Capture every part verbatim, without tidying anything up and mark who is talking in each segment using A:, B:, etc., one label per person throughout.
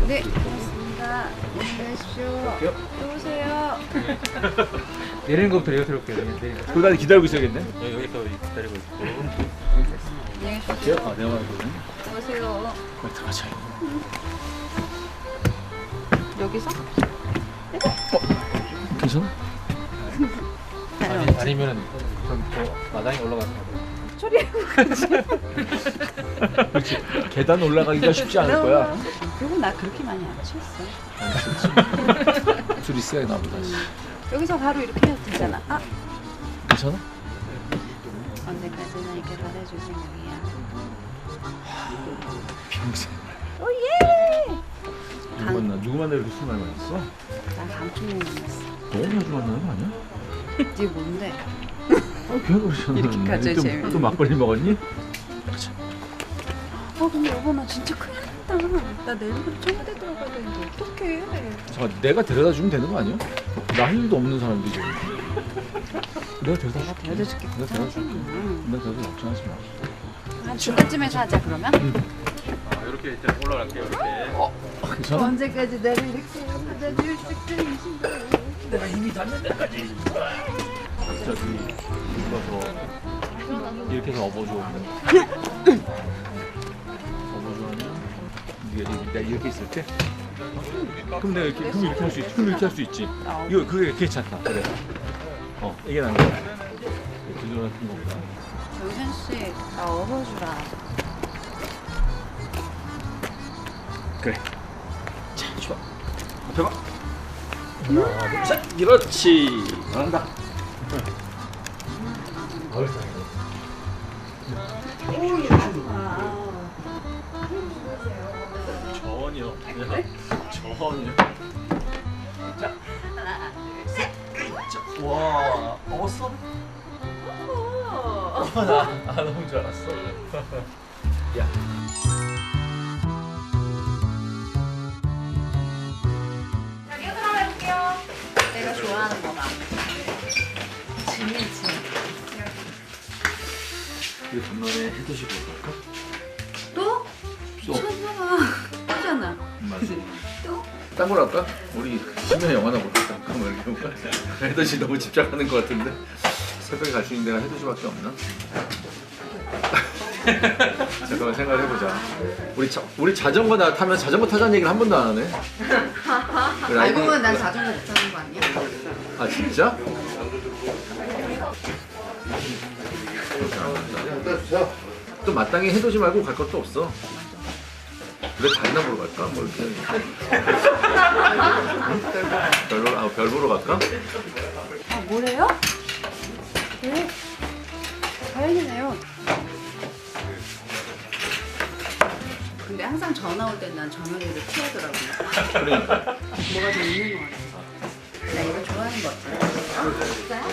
A: 네, 고맙습니다. 안녕하십시오. 또 오세요.
B: 내리는 것부터 내가 들어올게요. 내리는 거.
C: 그거 기다리고 있어야겠네.
B: 여기 여기서 기다리고 있고.
A: 안녕히 계십시오.
C: 아, 내가 말거든.
A: 오세요.
C: 빨리 들어가자.
A: 여기서?
C: 괜찮아?
B: 아니, 아니면은 좀더 마당에 올라가서.
C: 그렇지. 계단 올라가기가 쉽지 않을 거야.
A: 그리고 나 그렇게 많이 안 취했어.
C: 둘이 세야 나보다.
A: 여기서 바로 이렇게 해도 되잖아. 아,
C: 괜찮아?
A: 언제까지나 이렇게 받아줄 생각이야.
C: 평생.
A: 오예!
C: 누구 만나? 누구 만나 이렇게 술 많이 마셨어?
A: 난 강충님 만났어.
C: 너무 자주 만나는 거 아니야?
A: 이게 뭔데?
C: 아, 걔가 그러잖아.
A: 이렇게까지
C: 또,
A: 재밌네.
C: 또 막걸리 먹었니?
A: 어 근데 여보 나 진짜 큰일 났다. 나 내일부터 청와대 들어가야 되는데 어떡해.
C: 잠깐, 내가 데려다 주면 되는 거 아니야? 나 할 일도 없는 사람들이 지금. 내가 데려다 줄게.
A: 데려다 줄게.
C: 내가 데려다 줄게.
A: 응.
C: 내가 데려다 걱정하지 마.
A: 한 중간쯤에서 하자 그러면.
B: 아, 이렇게 이제 올라갈게요. 이렇게.
C: 어, 괜찮아?
A: 언제까지 나를 이렇게 받아줄 생각이신가.
C: 내가 힘이 닿는 데까지. 갑자기 누가서 이렇게 해서 업어줘. 업어줘하면 네가 내가 이렇게 있을 때. 그럼 내가 이렇게 그럼 이렇게 할 수 있지. 그럼 이렇게 할 수 있지. 이거 그게 괜찮다. 그래. 어 이게 나은 거야. 두드러 같은 거보다.
A: 정현 씨, 나 업어주라.
C: 그래. 자, 좋아. 앞에 봐. 하나, 둘, 셋. 그렇지. 잘한다. 전혀. 전혀. 자. 하나, 둘, 셋. 자. 와, 먹었어? 나, 아, 너무 줄 알았어. 야.
A: 내가 좋아하는 거다. 진미지.
C: 이 건너에 해드시고 갈까?
A: 또?
C: 또.
A: 미쳤나? 하잖아.
C: 맞아.
A: 또?
C: 딴 걸 할까? 우리 심야 영화나 볼까? 잠깐만 이렇게 볼까? 해돋이 너무 집착하는 것 같은데 새벽에 갈 수 있는 데가 해돋이밖에 없나? 잠깐만 생각을 해보자. 우리 자, 우리 자전거 나 타면 자전거 타자는 얘기를 한 번도 안 하네. 그래,
A: 알고
C: 알고-
A: 보면 난 자전거 못 타는 거 아니야?
C: 아 진짜? 또 마땅히 해돋이 말고 갈 것도 없어. 그래 다이나 보러 갈까? 뭐 이렇게 별 보러 아, 별 보러 갈까?
A: 아, 뭐래요? 네. 다행이네요. 근데 항상 전화 올 땐 난 전화기를 피하더라고.
C: 그러니까
A: 뭐가 좀 있는 거 같아. 나 이거 좋아하는 거 같아. 어? 진짜요?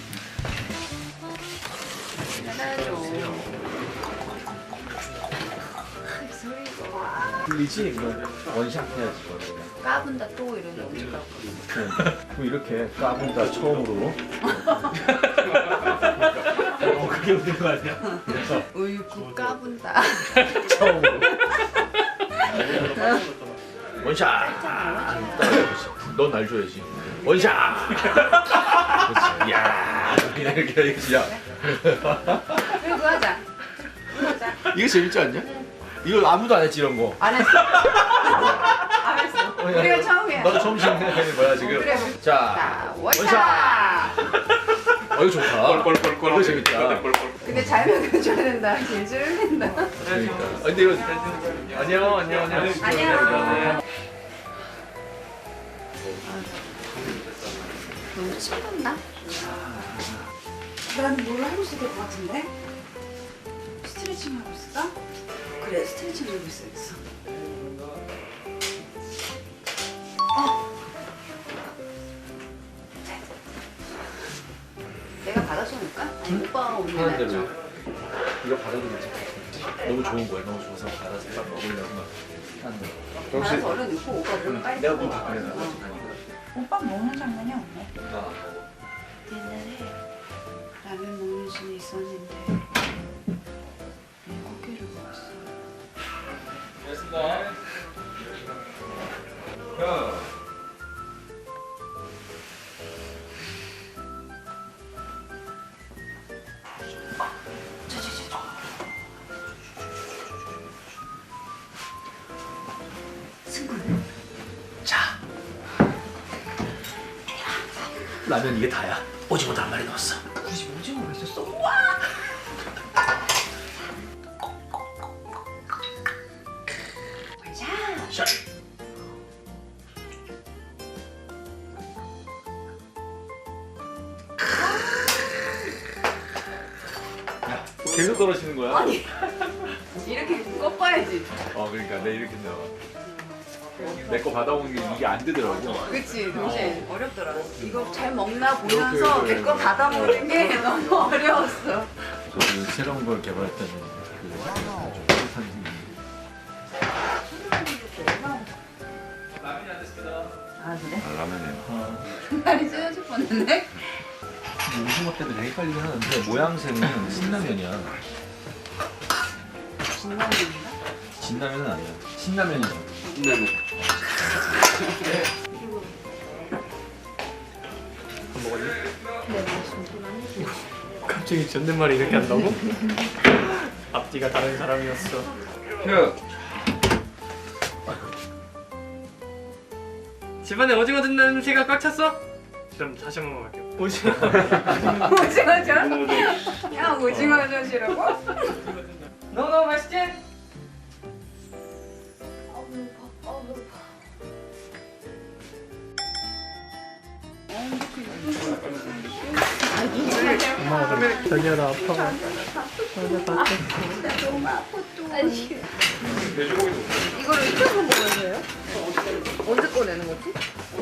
A: 해놔야죠.
C: 들리지? 그럼 원샷 해야지.
A: 까분다 또 이러는 거니까.
C: 그럼 이렇게 까분다 처음으로. 어 그게 웃긴 거 아니야? 그래서
A: 으이구 까분다.
C: 처음으로. 원샷. 넌 날 줘야지. 원샷. 그렇지. 야 이렇게 해야지. 야.
A: 그리고 하자. 이거 하자.
C: 이게 재밌지 않냐? 이거 아무도 안 했지 이런 거.
A: 안 했어. 안 했어. 우리가 처음이야.
C: 너도 처음 시작하는 거야 지금.
A: 그래.
C: 자,
A: 자, 원샷.
C: 어 이거 좋다. 꼴꼴꼴꼴. 이거 재밌다.
A: 근데 잘 먹여줘야 된다. 질질 흘린다.
C: 그러니까. 아, 근데 이거 안녕 안녕 안녕.
A: 안녕. 너무 춥었나? 난 뭘 하고 있어야 될 것 같은데? 스트레칭 하고 있어? 그래, 스트레칭 하고 있어야겠어. 어! 내가 받아서 놓을까? 아니, 오빠가 오는 게
C: 하는 대로.
A: 낫죠?
C: 이거 받아도 괜찮아. 너무 좋은 거야. 너무 좋아서 받아서 딱 먹으려고 막 하는 거.
A: 받아서 얼른 넣고 오빠 물 빨리
C: 내가
A: 먹어.
C: 문 닫고 내가
A: 어. 오빠 먹는 장면이 없네.
C: 아,
A: 옛날에 라면 먹는 신이 있었는데 고기를 먹었어.
C: 고맙습니다. 라면 이게 다야. 오징어도 한 마리 넣었어.
A: 굳이 오징어가 있었어? 우와! 자,
C: 샷. 야, 계속 떨어지는 거야?
A: 아니 이렇게 꺾어야지.
C: 어, 그러니까 내 이렇게 나와. 내 거 받아오는 게 이게 안 되더라고.
A: 그치 동시에 어렵더라. 이거 잘 먹나 보면서
C: 이렇게,
A: 내 거 받아 먹는 게 너무 어려웠어.
C: 저도 새로운 걸 개발했다는 그 아주 뿌듯한 기분이.
A: 아 그래?
C: 아, 라면이요.
A: 다리 찢어질 뻔했네.
C: 오징어 때도 되게 헷갈리긴 하는데 모양새는 신라면이야.
A: 진라면인가?
C: 진라면은 아니야. 신라면이죠.
B: 신라면.
D: 안 먹었니?
A: 네 맞습니다.
D: 갑자기 존댓말을 이렇게 한다고? 앞뒤가 다른 사람이었어.
B: 야,
D: 집안에 오징어 듣는 냄새가 꽉 찼어? 그럼 다시 한번 갈게요. 오징어.
A: 오징어전? 야 오징어전이라고?
D: 너 너무 맛있지? 엄마 자기야 나 아파.
A: 이거를 익혀서 먹어야 돼요? 언제 꺼내는 거지?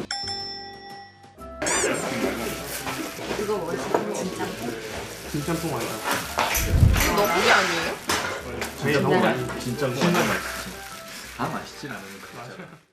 A: 이거 뭐였어? 진짜?
D: 진짬뽕 아니다.
A: 너구리 아니에요?
D: 진짜 너무 많이.
C: 진짜 신라면 맛있지. 다 맛있지 라면은 그렇죠.